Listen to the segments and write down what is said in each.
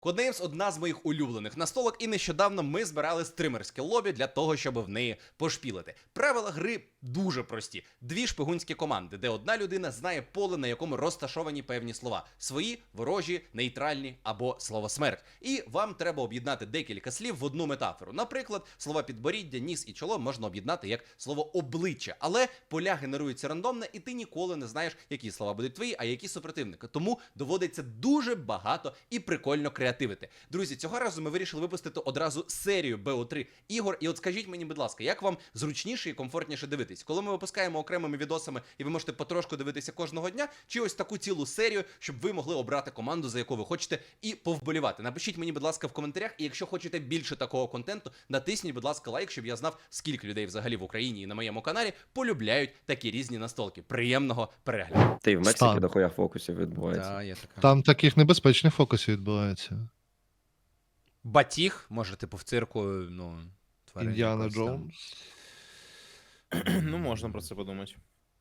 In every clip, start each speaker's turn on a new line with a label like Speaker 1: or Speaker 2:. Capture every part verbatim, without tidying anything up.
Speaker 1: Codenames – одна з моїх улюблених настолок, і нещодавно ми збирали стримерське лобі для того, щоб в неї пошпілити. Правила гри дуже прості. Дві шпигунські команди, де одна людина знає поле, на якому розташовані певні слова. Свої, ворожі, нейтральні або слово смерть. І вам треба об'єднати декілька слів в одну метафору. Наприклад, слова підборіддя, ніс і чоло можна об'єднати як слово обличчя. Але поля генеруються рандомно, і ти ніколи не знаєш, які слова будуть твої, а які супротивника. Тому доводиться дуже багато і прикольно креативити. Друзі, цього разу ми вирішили випустити одразу серію бе о три ігор. І от скажіть мені, будь ласка, як вам зручніше і комфортніше дивитись? Коли ми випускаємо окремими відосами і ви можете потрошку дивитися кожного дня, чи ось таку цілу серію, щоб ви могли обрати команду, за яку ви хочете, і повболівати? Напишіть мені, будь ласка, в коментарях, і якщо хочете більше такого контенту, натисніть, будь ласка, лайк, щоб я знав, скільки людей взагалі в Україні і на моєму каналі полюбляють такі різні настолки. Приємного перегляду.
Speaker 2: Ти в Мексиці
Speaker 3: Стан.
Speaker 2: дохуя фокусів відбувається.
Speaker 1: Та, є така.
Speaker 3: Там таких небезпечних фокусів відбувається.
Speaker 1: Батіг, може, типу, в цирку, ну, тварин
Speaker 3: Індіана
Speaker 1: якось там.
Speaker 3: Джонс.
Speaker 4: Ну, можна про це подумати.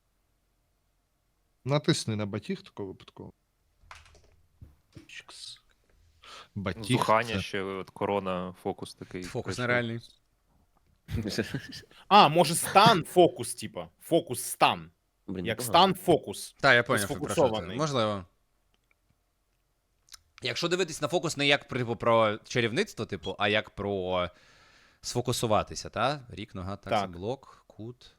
Speaker 3: Натисни на батіг такого випадково. Чикс. Батіг.
Speaker 5: Зухання
Speaker 3: це-
Speaker 5: ще, от корона, фокус такий.
Speaker 1: Фокус
Speaker 5: прийшов.
Speaker 1: нереальний.
Speaker 4: А, може стан фокус, типа. Фокус стан.
Speaker 2: Блін,
Speaker 4: Як
Speaker 2: непогано.
Speaker 4: стан фокус.
Speaker 1: Так, я поняв, про що це.
Speaker 4: Сфокусований.
Speaker 1: Можливо. Якщо дивитись на фокус не як типу, про чарівництво, типу, а як про сфокусуватися, та? Рік, нога, так,
Speaker 4: Так.
Speaker 1: це блок, кут.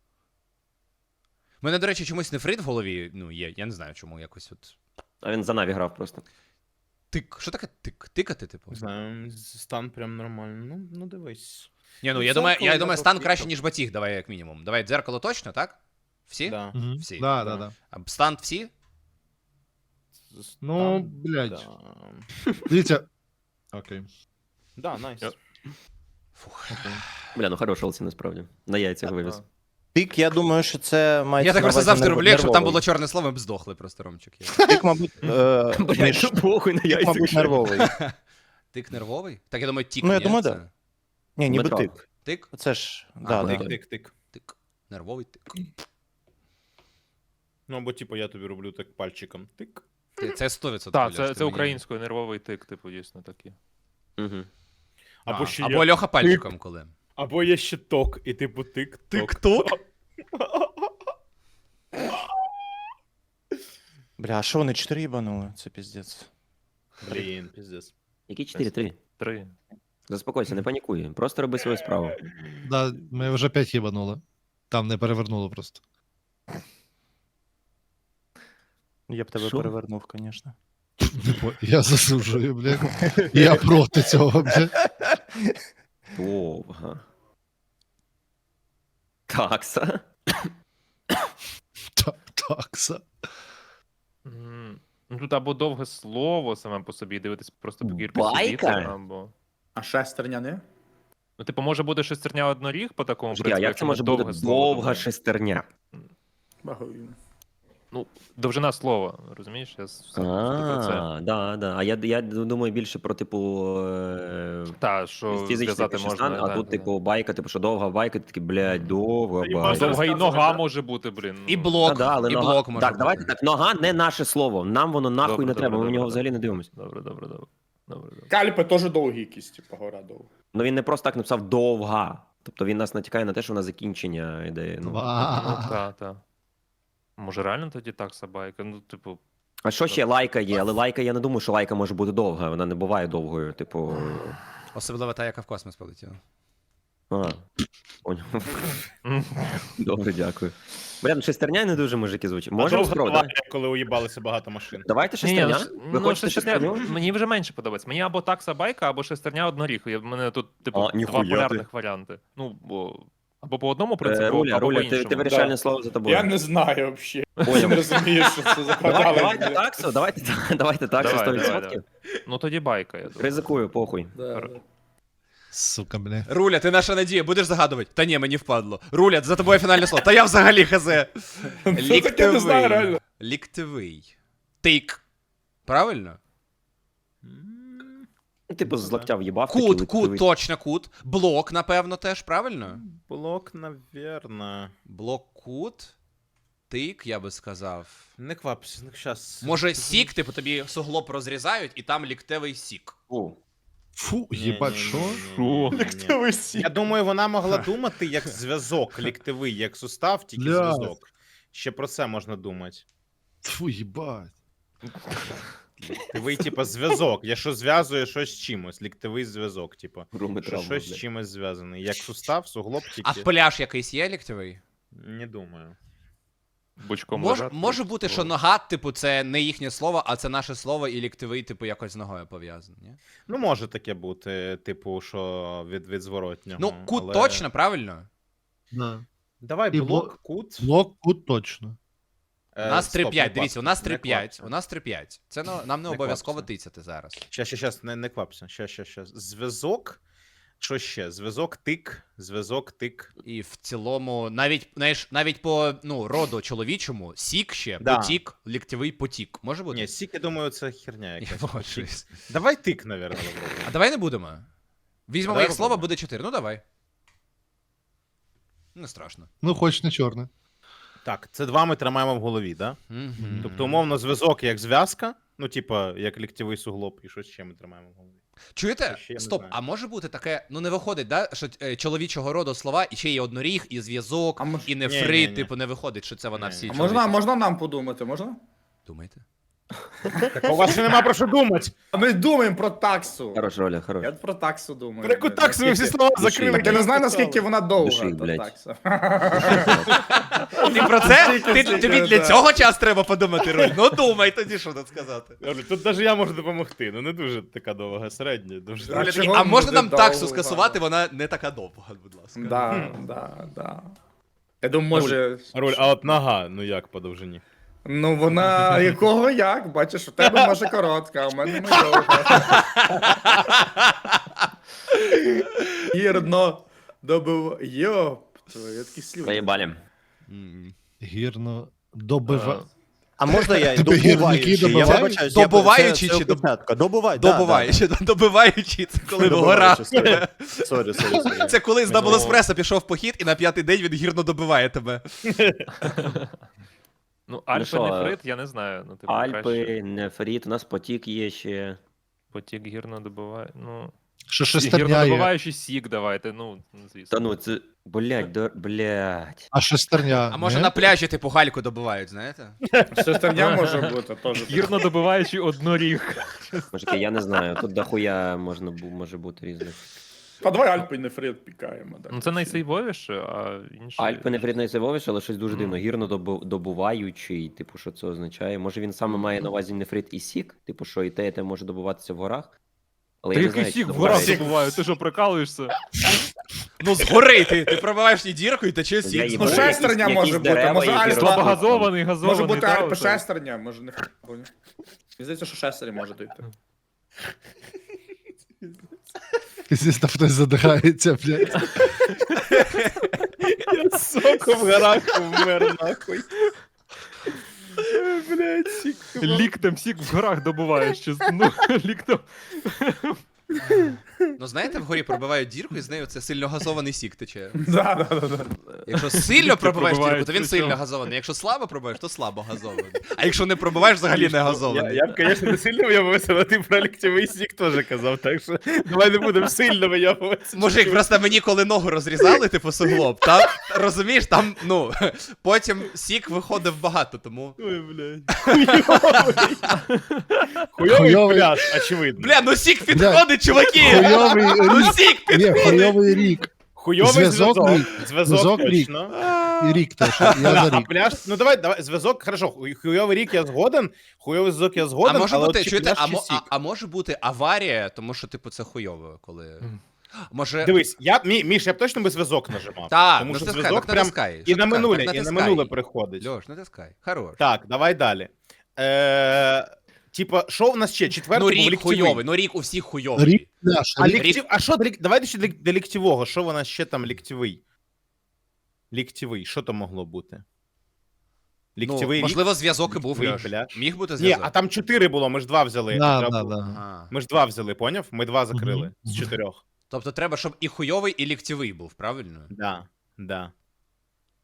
Speaker 1: У мене, до речі, чомусь нефрит в голові, ну, є, я не знаю, чому якось от.
Speaker 2: А він за Наві грав просто.
Speaker 1: Тик. Що таке тик? Тикати, типу?
Speaker 4: Не знаю, стан прям нормально. Ну, ну дивись.
Speaker 1: Ні, ну
Speaker 4: Ну,
Speaker 1: я
Speaker 4: це
Speaker 1: думаю,
Speaker 4: коли
Speaker 1: я
Speaker 4: я
Speaker 1: думаю,
Speaker 4: просто
Speaker 1: стан
Speaker 4: їхав.
Speaker 1: краще, ніж батіг, давай як мінімум. Давай дзеркало точно, так? Всі?
Speaker 4: Да.
Speaker 3: Мгм.
Speaker 1: Всі.
Speaker 3: Да,
Speaker 4: Да.
Speaker 3: да, да.
Speaker 1: А стан всі?
Speaker 3: Ну,
Speaker 4: Стан,
Speaker 3: блядь.
Speaker 4: Да,
Speaker 3: Дивіться. Окей.
Speaker 4: да найс.
Speaker 5: Я-
Speaker 1: Фух.
Speaker 2: Бля, ну хороший олці насправді. На яйцях вивіз.
Speaker 6: Тик, я думаю, що це має.
Speaker 1: Я так просто завжди роблю, якщо там було чорне слово, ми б здохли просто, Ромчик.
Speaker 6: Тик, мабуть, е,
Speaker 2: Блядь,
Speaker 6: між...
Speaker 2: ну похуй на
Speaker 6: тик,
Speaker 2: яйцях.
Speaker 6: мабуть,
Speaker 2: що.
Speaker 6: нервовий.
Speaker 1: Тик нервовий? Так я думаю, тік.
Speaker 6: Ну, я
Speaker 1: ні,
Speaker 6: думаю,
Speaker 1: це-
Speaker 6: да. Ні, ніби
Speaker 2: Метро.
Speaker 6: тик.
Speaker 1: Тик?
Speaker 6: Це ж.
Speaker 1: А,
Speaker 6: Да, да,
Speaker 4: Тик,
Speaker 6: да.
Speaker 4: тик, тик.
Speaker 1: Тик. Нервовий тик.
Speaker 4: Ну, або типу я тобі роблю так пальчиком. Тик.
Speaker 1: Ти- Це сто відсотків.
Speaker 5: Так,
Speaker 1: Льош,
Speaker 5: це,
Speaker 1: ти
Speaker 5: це
Speaker 1: мені-
Speaker 5: українською нервовий тик, типу, дійсно такі.
Speaker 2: Угу.
Speaker 4: Або
Speaker 1: А,
Speaker 4: ще
Speaker 1: або
Speaker 4: є...
Speaker 1: Льоха пальчиком коли.
Speaker 4: Або є ще ток, і типу тик, ток.
Speaker 1: Тик-ток?
Speaker 6: Бля, а що вони чотири їбанули? Це піздець.
Speaker 4: Блін, піздець.
Speaker 2: Які чотири три?
Speaker 5: Три.
Speaker 2: Заспокойся, не панікуй. Просто роби свою справу.
Speaker 3: Да, ми вже п'ять їбанули. Там не перевернуло просто.
Speaker 6: Я б тебе
Speaker 2: Що?
Speaker 6: перевернув, звісно.
Speaker 3: Типу, я засуджую, блядь. Я проти цього, блядь.
Speaker 2: Довга. Такса.
Speaker 3: Так, такса.
Speaker 5: М, Ну тут або довге слово саме по собі, дивитись просто по кірку
Speaker 2: Байка?
Speaker 5: сидіти, або.
Speaker 7: А шестерня не?
Speaker 5: Ну, типу, може бути шестерня одноріг по такому
Speaker 2: Жди, а
Speaker 5: принципу,
Speaker 2: як
Speaker 5: якщо
Speaker 2: це
Speaker 5: ми
Speaker 2: може бути
Speaker 5: довге слово
Speaker 2: довга
Speaker 5: додаємо.
Speaker 2: шестерня?
Speaker 7: Багаю.
Speaker 5: Ну, довжина слова, розумієш? Я с- все про це.
Speaker 2: А, да, да. А я, я думаю більше про, типу, е,
Speaker 5: Та, що
Speaker 2: фізичний
Speaker 5: зв'язати
Speaker 2: більше
Speaker 5: можна.
Speaker 2: стан, а
Speaker 5: да,
Speaker 2: тут,
Speaker 5: да,
Speaker 2: типу, байка, типу, що довга байка, ти такий, блядь, довга
Speaker 4: Та,
Speaker 5: да.
Speaker 2: байка.
Speaker 5: Довга і нога
Speaker 7: Розказувати,
Speaker 5: може бути, блін.
Speaker 1: І
Speaker 5: ну.
Speaker 1: блок,
Speaker 2: Та да, але
Speaker 1: і
Speaker 2: нога...
Speaker 1: блок може
Speaker 2: Так,
Speaker 1: бути.
Speaker 2: давайте так, нога не наше слово. Нам воно нахуй
Speaker 5: Добре,
Speaker 2: не
Speaker 5: добре,
Speaker 2: треба, ми в
Speaker 5: добре,
Speaker 2: нього
Speaker 5: добре.
Speaker 2: взагалі не дивимося.
Speaker 5: Добре, добре, добре. Добре, добре.
Speaker 7: Кальпи теж довгі якісь, типу, гора довга.
Speaker 2: Ну він не просто так написав довга. Тобто він нас натякає на те, що вона закінчення йде. Ну.
Speaker 5: Ну,
Speaker 3: Ва.
Speaker 5: та, та. Може, реально тоді так собака? Ну, типу,
Speaker 2: А що ще лайка є? Але лайка, я не думаю, що лайка може бути довга. Вона не буває довгою. Типу.
Speaker 1: Особливо та, яка в космос полетіла.
Speaker 2: А, поняв. Добре, дякую. Бля, ну шестерня не дуже мужики звучить. Можемо
Speaker 4: Довга
Speaker 2: спробувати?
Speaker 4: аварія, коли уїбалося багато машин.
Speaker 2: Давайте
Speaker 5: Ні, ні,
Speaker 2: шестерня.
Speaker 5: ш-
Speaker 2: Ви
Speaker 5: ну,
Speaker 2: хочете
Speaker 5: шестерня,
Speaker 2: шестерню?
Speaker 5: мені вже менше подобається. Мені або такса байка, або шестерня одноріг. У мене тут, типу,
Speaker 2: А,
Speaker 5: два
Speaker 2: ніхуя ти.
Speaker 5: полярних варіанти. Ну, бо... Або по одному принципу,
Speaker 2: Е, Руля,
Speaker 5: або
Speaker 2: Руля,
Speaker 5: по
Speaker 2: ти,
Speaker 5: іншому.
Speaker 2: ти вирішальне
Speaker 7: Да.
Speaker 2: слово за тобою.
Speaker 7: Я не знаю взагалі.
Speaker 2: Поняв.
Speaker 7: Не розумію, що це за
Speaker 2: Давай,
Speaker 7: канали.
Speaker 2: давайте таксу, давайте, давайте таксу
Speaker 5: Давай,
Speaker 2: сто
Speaker 5: давай,
Speaker 2: відсотків.
Speaker 5: Ну тоді байка, я думаю.
Speaker 2: Ризикую, похуй.
Speaker 3: Сука, блядь.
Speaker 1: Руля, ти наша надія, будеш загадувати? Та ні, мені впадло. Руля, за тобою фінальне слово. Та я взагалі хазе.
Speaker 7: Це таке не знаю, реально.
Speaker 1: Ліктивий. Тик. Правильно?
Speaker 2: Ну, Типу з локтя в'їбав.
Speaker 1: Кут,
Speaker 2: такий
Speaker 1: кут,
Speaker 2: ликтивий.
Speaker 1: точно кут. Блок, напевно, теж, правильно?
Speaker 4: Блок, навірно.
Speaker 1: Блок, кут. тик, я би сказав.
Speaker 4: Не квапся, ну щас.
Speaker 1: Може, сік, типу, тобі суглоб розрізають, і там ліктевий сік.
Speaker 2: Фу.
Speaker 3: Фу, їбать, що?
Speaker 5: Що?
Speaker 4: Я думаю, вона могла думати як зв'язок ліктевий, як сустав, тільки
Speaker 3: Бля.
Speaker 4: зв'язок. Ще про це можна думати.
Speaker 3: Фу, їбать.
Speaker 4: Ліктевий, типа, зв'язок. Я що зв'язує щось з чимось. Ліктевий зв'язок, типа.
Speaker 2: Руми
Speaker 4: Що
Speaker 2: травма,
Speaker 4: щось з
Speaker 2: блядь.
Speaker 4: чимось зв'язаний. Як сустав, суглоб
Speaker 1: А
Speaker 4: тільки.
Speaker 1: пляж якийсь є ліктевий?
Speaker 4: Не думаю.
Speaker 5: Бочком
Speaker 1: Мож,
Speaker 5: лежати,
Speaker 1: може бути,
Speaker 5: то-
Speaker 1: що нога, типу, це не їхнє слово, а це наше слово, і ліктевий, типу, якось з ногою пов'язаний. Ні?
Speaker 4: Ну, може таке бути, типу, що від, від зворотнього.
Speaker 1: Ну, кут
Speaker 4: але-
Speaker 1: точно, правильно?
Speaker 3: Да.
Speaker 4: Давай
Speaker 3: І
Speaker 4: блок, кут.
Speaker 3: Блок, кут точно.
Speaker 1: У
Speaker 4: Е,
Speaker 1: нас
Speaker 4: стоп,
Speaker 1: три п'ять,
Speaker 4: не
Speaker 1: дивіться, у нас
Speaker 4: квапся,
Speaker 1: три
Speaker 4: не
Speaker 1: п'ять,
Speaker 4: квапся.
Speaker 1: у нас три п'ять. Це ну, нам не
Speaker 4: Не
Speaker 1: обов'язково
Speaker 4: квапся.
Speaker 1: тицяти зараз.
Speaker 4: Ща, ща, щас, не, не квапся. Ща, ща, ща. Зв'язок. Що ще? Зв'язок, тик, зв'язок, тик.
Speaker 1: І в цілому, навіть, знаєш, навіть по ну, роду чоловічому, сік ще,
Speaker 4: Да.
Speaker 1: потік, ліктєвий потік. Може бути?
Speaker 4: Ні, сік, я думаю, це херня
Speaker 1: Я
Speaker 4: якась.
Speaker 1: погоджуюсь.
Speaker 4: Давай тик, наверное, попробуємо.
Speaker 1: А давай не будемо. Візьмемо
Speaker 4: Давай
Speaker 1: їх слово,
Speaker 4: попробуємо.
Speaker 1: буде чотири. Ну давай. Не страшно.
Speaker 3: Ну, хоч не чорне.
Speaker 4: Так, це два ми тримаємо в голові, да?
Speaker 1: Мгм.
Speaker 4: Тобто, умовно, зв'язок як зв'язка, ну, типа, як ліктєвий суглоб, і що ще ми тримаємо в голові.
Speaker 1: Чуєте?
Speaker 4: Ще я не
Speaker 1: Стоп,
Speaker 4: знаю.
Speaker 1: а може бути таке, ну не виходить, да, що е, чоловічого роду слова, і ще є одноріг, і зв'язок,
Speaker 7: А мож-
Speaker 1: і
Speaker 4: Ні,
Speaker 1: нефрит,
Speaker 4: ні, ні.
Speaker 1: типу, не виходить, що це вона
Speaker 4: Ні,
Speaker 1: всі
Speaker 4: ні.
Speaker 7: А можна,
Speaker 1: чоловічі.
Speaker 7: можна нам подумати, можна?
Speaker 1: Думаєте?
Speaker 4: Так у вас ще нема про що думати.
Speaker 7: А ми думаємо про таксу.
Speaker 2: Хорош, Роля, хорош.
Speaker 7: Я про таксу думаю.
Speaker 4: Про яку таксу ви всі
Speaker 7: Наскільки-
Speaker 4: слова
Speaker 2: Душі.
Speaker 4: закрили?
Speaker 7: Так я не знаю,
Speaker 4: написали.
Speaker 7: наскільки вона довга,
Speaker 2: Души,
Speaker 7: та
Speaker 2: блядь.
Speaker 7: такса.
Speaker 1: Ти про це? Ти,
Speaker 7: Стільки,
Speaker 1: тобі
Speaker 7: стільки,
Speaker 1: для
Speaker 7: да.
Speaker 1: цього час треба подумати, Руль. Ну думай тоді, що тут сказати.
Speaker 4: Добре, тут навіть я можу допомогти, ну не дуже така довга, середня. Дуже...
Speaker 7: А
Speaker 1: Руля такий,
Speaker 7: чого
Speaker 1: а можна
Speaker 7: буде
Speaker 1: нам таксу
Speaker 7: довга?
Speaker 1: скасувати, вона не така довга, будь ласка.
Speaker 7: Да, да, да. Я думаю, може.
Speaker 4: Роль, а от нога, ну як по довжині?
Speaker 7: Ну вона якого як? Бачиш, у тебе може коротка, а у мене не довга. Гірно добив. Йоп, твої такі слюди.
Speaker 2: Заєбалі.
Speaker 1: М.
Speaker 3: Гірно добива.
Speaker 6: А можна я
Speaker 3: Тебе гірники
Speaker 6: добуваючи? Я
Speaker 3: добивають?
Speaker 6: вибачаюсь, я-
Speaker 1: Добуваючи
Speaker 6: це- це
Speaker 1: чи доб-
Speaker 6: опечатка. Добувай, да,
Speaker 1: Добуваючи, добиваючи, це коли в горах.
Speaker 6: Добуваючи, сорі. Сорі, сорі, сорі.
Speaker 1: Це коли з Double
Speaker 5: Ну.
Speaker 1: Espresso пішов в похід, і на п'ятий день він гірно добиває тебе.
Speaker 5: Ну, Альпи,
Speaker 2: що,
Speaker 5: нефрит, я не знаю. Ну, типу, краще
Speaker 2: Альпи, нефрит, у нас потік є ще.
Speaker 5: потік гірно добиває. Ну,
Speaker 3: Що
Speaker 5: гірно
Speaker 3: шестерня є.
Speaker 5: добиваючий сік давайте, ну, звісно.
Speaker 2: Та ну це. Блять, до... блять.
Speaker 3: А шестерня.
Speaker 1: А може
Speaker 3: ні?
Speaker 1: на пляжі типу гальку добивають, знаєте?
Speaker 7: Шестерня може бути теж.
Speaker 5: Гірно добиваючий одноріг.
Speaker 2: Мужики, я не знаю. Тут дохуя можна бу- може бути різних.
Speaker 7: По два Альпи і нефрит пікаємо. да.
Speaker 5: Ну, це найсейвовіше, а інші...
Speaker 2: Альпи нефрит найсейвовіше, але щось дуже
Speaker 5: Ну.
Speaker 2: дивно. Гірно добу- добуваючий, типу, що це означає. Може він саме має на увазі нефрит і сік, типу, що і те, і те може добуватися в горах. Але
Speaker 5: Та
Speaker 2: я не
Speaker 5: який
Speaker 2: знаю,
Speaker 5: сік
Speaker 2: чи
Speaker 5: в горах
Speaker 2: добувається.
Speaker 5: добувають? Ти що, прикалуєшся?
Speaker 1: Ну згори ти, ти пробиваєш і дірку, і тече
Speaker 2: Я
Speaker 1: сік.
Speaker 2: їбу,
Speaker 7: Ну,
Speaker 1: згори.
Speaker 2: якісь-
Speaker 7: шестерня
Speaker 2: якісь
Speaker 7: може бути,
Speaker 2: дерева,
Speaker 7: може,
Speaker 2: які
Speaker 7: Альпа-
Speaker 2: ростуть.
Speaker 5: Слабогазований, газований.
Speaker 7: Може бути
Speaker 5: та,
Speaker 7: Альпи
Speaker 5: оце.
Speaker 7: шестерня, може не Мені здається, що шестерня може дойти.
Speaker 3: Здесь там хтось задихається, блядь.
Speaker 4: Я соку в горах вмер, нахуй. Блять, сік.
Speaker 5: Ліктем сік в горах добуваєш, чесно. Ну, ліктем.
Speaker 1: Ну знаєте, вгорі пробивають дірку, і з нею це сильно газований сік тече.
Speaker 7: Да, да, да, да.
Speaker 1: Якщо сильно пробиваєш дірку,
Speaker 5: пробивають,
Speaker 1: то він
Speaker 5: причому.
Speaker 1: сильно газований. Якщо слабо пробиваєш, то слабо газований. А якщо не пробиваєш, взагалі не
Speaker 4: Я,
Speaker 1: газований.
Speaker 4: я б, звісно, не сильно вийобувався, але ти про ліктєвий сік теж казав, так що давай не будемо сильно вийобуватися.
Speaker 1: Мужик, просто мені коли ногу розрізали, типу суглоб, там, розумієш, там, ну, потім сік виходив багато, тому.
Speaker 4: Ой, блядь. Хуйовий. Хуйовий
Speaker 3: Хуйовий.
Speaker 4: пляж, очевидно.
Speaker 1: Бля, ну сік підходить, чуваки!
Speaker 3: Хуйовий
Speaker 1: Ну
Speaker 3: рік.
Speaker 1: сік
Speaker 3: Ні,
Speaker 1: підходить!
Speaker 3: хуйовий рік.
Speaker 4: Хуйовий
Speaker 3: Зв'язок
Speaker 4: зв'язок.
Speaker 3: рік.
Speaker 4: Зв'язок
Speaker 3: Зв'язок рік.
Speaker 4: точно.
Speaker 3: І рік теж. Я за
Speaker 4: А
Speaker 3: рік.
Speaker 4: пляж, ну давай, давай, зв'язок, хорошо, хуй- хуйовий рік я згоден, хуйовий зв'язок я
Speaker 1: А
Speaker 4: згоден,
Speaker 1: може
Speaker 4: але
Speaker 1: бути,
Speaker 4: от чи
Speaker 1: чуєте,
Speaker 4: пляж,
Speaker 1: а,
Speaker 4: чи
Speaker 1: мо-
Speaker 4: сік?
Speaker 1: а, а може бути аварія, тому що, типу, це хуйово, коли. Може.
Speaker 4: Дивись, я, мі, Міш, я б точно би зв'язок нажимав.
Speaker 1: Так,
Speaker 4: тому що
Speaker 1: натискай,
Speaker 4: зв'язок
Speaker 1: так
Speaker 4: прям
Speaker 1: натискай.
Speaker 4: і
Speaker 1: Що
Speaker 4: на
Speaker 1: ти кажеш?
Speaker 4: минуле,
Speaker 1: Так
Speaker 4: і на
Speaker 1: натискай.
Speaker 4: минуле приходить.
Speaker 1: Льош, натискай. Хорош.
Speaker 4: Так, давай далі. Е, типа, що в нас ще? Четвертий
Speaker 1: Ну
Speaker 4: був
Speaker 1: рік
Speaker 4: ліктєвий.
Speaker 1: хуйовий, ну рік у всіх хуйовий.
Speaker 3: Рік наш.
Speaker 4: А,
Speaker 3: Рік.
Speaker 4: ліктів... а що, до лік- давайте ще до лік- до ліктєвого, що в нас ще там ліктєвий? Ліктєвий, що там могло бути?
Speaker 1: Ну,
Speaker 4: Ліктєвий рік?
Speaker 1: можливо, зв'язок і був,
Speaker 4: Ліктєвий
Speaker 1: Льош.
Speaker 4: пляж.
Speaker 1: Міг бути
Speaker 4: Ні,
Speaker 1: зв'язок.
Speaker 4: а там чотири було, ми ж два взяли.
Speaker 3: Да,
Speaker 4: Треба
Speaker 3: да,
Speaker 4: було-
Speaker 3: да.
Speaker 1: Ага.
Speaker 4: Ми ж два взяли, поняв? Ми два закрили
Speaker 3: Мгм.
Speaker 4: з чотирьох.
Speaker 1: Тобто треба, щоб і хуйовий, і ліктєвий був, правильно?
Speaker 4: Да, да.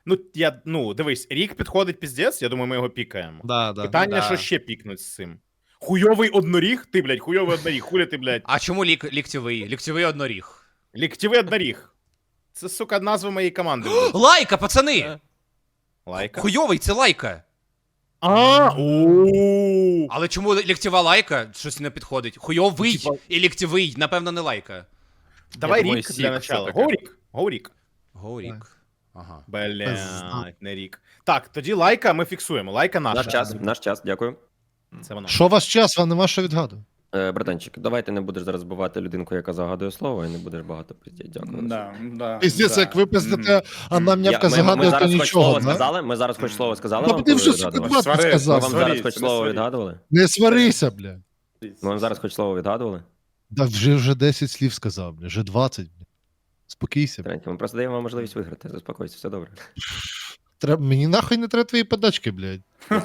Speaker 4: Ну, я, ну, дивись, рік підходить піздець, я думаю, ми його пікаємо.
Speaker 3: Да, да.
Speaker 4: Питання,
Speaker 1: Да.
Speaker 4: що ще пікнуть з цим. Хуйовий одноріг? Ти, блядь, хуйовий одноріг, хуля ти, блядь.
Speaker 1: А чому лік, ліктєвий? Ліктєвий одноріг.
Speaker 4: Ліктєвий одноріг. Це, сука, назва моєї команди. буде.
Speaker 1: Лайка, пацани!
Speaker 4: Лайка.
Speaker 1: Хуйовий, це лайка.
Speaker 4: А, у.
Speaker 1: Але чому ліктєва лайка? Щось не підходить. Хуйовий
Speaker 4: Типа-
Speaker 1: і ліктєвий, напевно, не лайка.
Speaker 4: Давай
Speaker 5: думаю,
Speaker 4: рік
Speaker 5: сік
Speaker 4: для начала.
Speaker 5: все-таки.
Speaker 4: Го рік. Го рік.
Speaker 1: Горік. Ага.
Speaker 4: Блядь, не рік. Так, тоді лайка ми фіксуємо. Лайка наша.
Speaker 2: Наш час, наш час, дякую.
Speaker 4: Це вона.
Speaker 3: Що у вас час, вам нема що відгадувати.
Speaker 2: Е, братанчик, давай ти не будеш зараз бувати людинку, яка загадує слово, і не будеш багато пиздіть. Дякую.
Speaker 7: Да, да,
Speaker 3: Піздець,
Speaker 7: да.
Speaker 3: як ви пиздите, а нам
Speaker 2: Я-
Speaker 3: нявка
Speaker 2: ми, ми
Speaker 3: загадує, то
Speaker 2: зараз хоч
Speaker 3: нічого.
Speaker 2: слово
Speaker 3: да?
Speaker 2: сказали, ми зараз хоч слово сказали
Speaker 3: Та
Speaker 2: вам,
Speaker 3: ти
Speaker 2: коли
Speaker 3: вже
Speaker 2: ви
Speaker 3: сука
Speaker 2: відгадували?
Speaker 3: двадцять
Speaker 7: Свари,
Speaker 2: Ми
Speaker 3: сказав.
Speaker 2: вам
Speaker 7: сваріться,
Speaker 2: зараз хоч
Speaker 7: не
Speaker 2: слово
Speaker 7: сваріться.
Speaker 2: відгадували?
Speaker 3: Не сварися, бля.
Speaker 2: Ми вам зараз хоч слово відгадували?
Speaker 3: Да вже вже десять слів сказав, бля, вже двадцять, бля. Спокійся, бля.
Speaker 2: Треньки, ми просто даємо вам можливість виграти. Заспокойся, все добре.
Speaker 3: Треба, мені нахуй не треба твої подачки, блядь.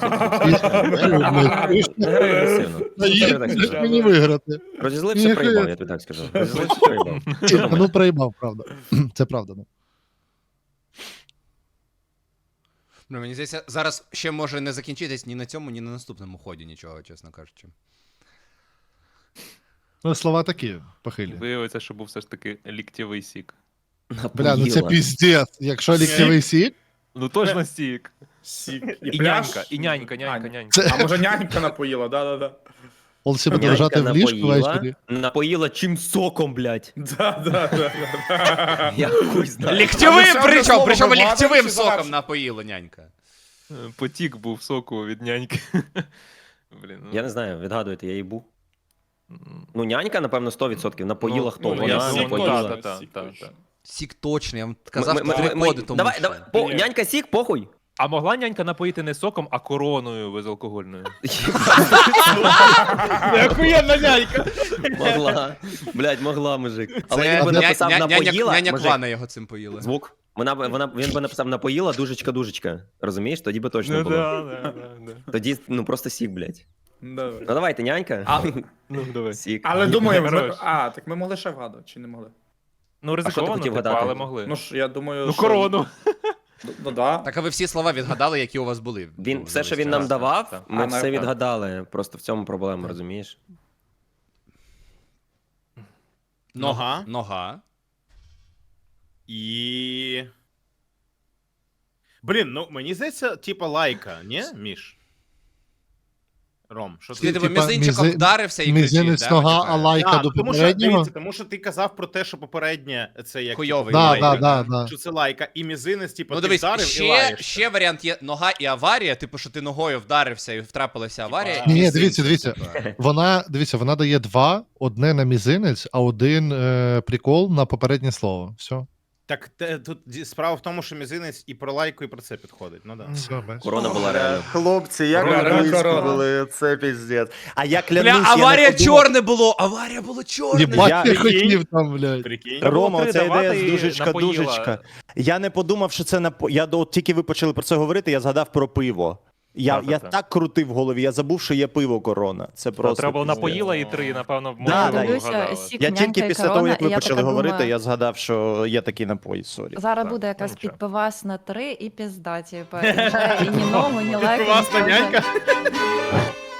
Speaker 2: Грай агресивно.
Speaker 3: Наїдь, блядь, мені виграти.
Speaker 2: Розізлився,
Speaker 3: Ні,
Speaker 2: проїбав,
Speaker 3: ні.
Speaker 2: я тобі так скажу. Розізлився, проїбав. Що
Speaker 3: Та,
Speaker 2: думаєш?
Speaker 3: ну проїбав, правда. Це правда, ну.
Speaker 1: Ну, мені здається, зараз ще може не закінчитись ні на цьому, ні на наступному ході нічого, чесно кажучи.
Speaker 3: Ну, слова такі, похилі.
Speaker 5: Виявиться, що був все ж таки ліктєвий сік.
Speaker 3: Бля, ну це
Speaker 2: Напоїла.
Speaker 3: піздець. Якщо ліктєвий сік,
Speaker 5: Ну точно сік.
Speaker 7: Сік.
Speaker 5: І
Speaker 7: пляж.
Speaker 5: нянька, і нянька, нянька,
Speaker 7: А,
Speaker 5: нянька.
Speaker 7: А може нянька напоїла, да-да-да.
Speaker 3: он себе буде
Speaker 2: Нянька
Speaker 3: лежати в ліжку
Speaker 2: напоїла,
Speaker 3: ввечері.
Speaker 2: напоїла чим соком, блядь.
Speaker 7: Да-да-да.
Speaker 2: Я хуй знаю.
Speaker 1: Ліктєвим
Speaker 7: А ви
Speaker 1: причому,
Speaker 7: слово
Speaker 1: причому
Speaker 7: вигадуєте
Speaker 1: ліктєвим
Speaker 7: чи
Speaker 1: соком
Speaker 7: завершуєте?
Speaker 1: напоїла нянька.
Speaker 5: Е, Потік був соку від няньки. Блін, ну,
Speaker 2: Я не знаю, відгадуєте, я їбу.
Speaker 5: м,
Speaker 2: Ну, нянька, напевно, сто відсотків. Напоїла
Speaker 5: ну,
Speaker 2: хто?
Speaker 5: ну,
Speaker 2: Вона
Speaker 5: я
Speaker 7: сік
Speaker 5: думаю,
Speaker 2: напоїла.
Speaker 5: та,
Speaker 7: точно,
Speaker 5: та,
Speaker 7: сік
Speaker 5: та,
Speaker 7: точно.
Speaker 5: та.
Speaker 1: Сік точно, я вам
Speaker 2: Ми-
Speaker 1: казав
Speaker 2: ми-
Speaker 1: три
Speaker 2: ми- ми-
Speaker 1: коди тому.
Speaker 2: Давай,
Speaker 1: що.
Speaker 2: давай, по,
Speaker 7: Ні.
Speaker 2: нянька сік, похуй.
Speaker 5: А могла нянька напоїти не соком, а короною безалкогольною?
Speaker 4: Охуєнна нянька.
Speaker 2: Могла. Блядь, могла, мужик. Але
Speaker 1: Це
Speaker 2: він би
Speaker 1: ня-
Speaker 2: написав
Speaker 1: ня- няня-
Speaker 2: напоїла.
Speaker 1: Няня
Speaker 2: мужик,
Speaker 1: Квана його цим поїла.
Speaker 2: Звук. Вона, б- вона, він би написав напоїла, дужечка, дужечка. Розумієш? Тоді би точно
Speaker 5: Ну
Speaker 2: було.
Speaker 5: да, да, да, да.
Speaker 2: Тоді, ну, просто сік, блядь.
Speaker 7: Да.
Speaker 2: Ну, давайте, нянька.
Speaker 1: А-
Speaker 5: Ну, давай.
Speaker 2: Сік.
Speaker 7: Але думаю,
Speaker 5: Хорош.
Speaker 7: ми... а, так ми могли ще вгадувати, чи не могли?
Speaker 5: Ну,
Speaker 2: хотів
Speaker 5: ризиковано, типу,
Speaker 2: вгадати?
Speaker 5: але могли.
Speaker 7: Ну ж, я думаю,
Speaker 5: Ну,
Speaker 7: що...
Speaker 5: корону.
Speaker 7: Ну, да.
Speaker 1: Так, а ви всі слова відгадали, які у вас були?
Speaker 2: Він,
Speaker 1: Ну,
Speaker 2: все, що
Speaker 1: за
Speaker 2: він
Speaker 1: весь
Speaker 2: нам
Speaker 1: час.
Speaker 2: давав,
Speaker 5: так.
Speaker 2: ми
Speaker 7: А,
Speaker 2: все
Speaker 7: на-
Speaker 2: відгадали. Просто в цьому проблема, розумієш?
Speaker 1: Нога.
Speaker 4: Нога.
Speaker 1: Нога.
Speaker 4: І. Блін, ну мені здається, типа лайка, ні, Міш? Ром, що
Speaker 1: Ти
Speaker 4: ти?
Speaker 1: тебе
Speaker 3: Типа,
Speaker 1: мізинчиком
Speaker 3: мізи-
Speaker 1: вдарився і кричиш,
Speaker 3: Мізинець
Speaker 1: да?
Speaker 3: нога,
Speaker 1: типа?
Speaker 3: а лайка
Speaker 4: А,
Speaker 3: до
Speaker 4: тому, що,
Speaker 3: попереднього.
Speaker 4: дивіться, тому що ти казав про те, що попереднє це як
Speaker 1: Хуйовий
Speaker 4: типу,
Speaker 3: Да,
Speaker 1: лайка.
Speaker 3: да, да, да.
Speaker 4: що це лайка, і мізинець, типу,
Speaker 1: Ну
Speaker 4: ти
Speaker 1: дивись,
Speaker 4: вдарив і
Speaker 1: ще,
Speaker 4: лаєш.
Speaker 1: ще варіант є нога і аварія, типу, що ти ногою вдарився і втрапилася аварія.
Speaker 3: Ні, ні,
Speaker 1: мізинцем,
Speaker 3: дивіться, дивіться.
Speaker 1: типа.
Speaker 3: Вона, дивіться, вона дає два, одне на мізинець, а один е, прикол на попереднє слово. Все.
Speaker 4: Так те, тут ді- справа в тому, що мізинець і про лайку, і про це підходить. Ну да.
Speaker 3: Все, бачиш.
Speaker 2: Корона була реально.
Speaker 6: Хлопці, як
Speaker 7: Корона,
Speaker 6: ви близько
Speaker 7: корона.
Speaker 6: були, це піздець. А я клянусь,
Speaker 1: Бля,
Speaker 6: я не
Speaker 1: аварія
Speaker 6: подумав-
Speaker 1: чорне було! Аварія було чорне!
Speaker 3: Єбать,
Speaker 6: Я-
Speaker 3: ти хотів там, блядь.
Speaker 4: Прикинь.
Speaker 6: Рома,
Speaker 5: Три
Speaker 6: оця ідея
Speaker 5: давати
Speaker 6: з
Speaker 5: і
Speaker 6: дужечка,
Speaker 5: напоїла.
Speaker 6: дужечка. Я не подумав, що це на я до от тільки ви почали про це говорити, я згадав про пиво. Я,
Speaker 5: Так,
Speaker 6: я
Speaker 5: так,
Speaker 6: так крутив в голові, я забув, що є пиво корона. Це
Speaker 5: Та,
Speaker 6: просто.
Speaker 5: Треба було
Speaker 6: піздець.
Speaker 5: напоїла і три, напевно,
Speaker 6: Да,
Speaker 5: можливо,
Speaker 6: да.
Speaker 8: Дивлюся,
Speaker 5: вгадали.
Speaker 8: сік,
Speaker 6: Я
Speaker 8: нянька
Speaker 6: тільки
Speaker 8: і
Speaker 6: після
Speaker 8: корона,
Speaker 6: того, як
Speaker 8: і
Speaker 6: ви
Speaker 8: я
Speaker 6: почали
Speaker 8: така
Speaker 6: говорити,
Speaker 8: думаю,
Speaker 6: я згадав, що є такий напій. Сорі.
Speaker 8: Зараз
Speaker 5: Так,
Speaker 8: буде якась
Speaker 5: ну, нічого.
Speaker 8: підпивас на три і пізда, типу, і вже і ні ногу, ні лайку.
Speaker 4: Класна
Speaker 8: ні
Speaker 4: нянька.
Speaker 8: теж.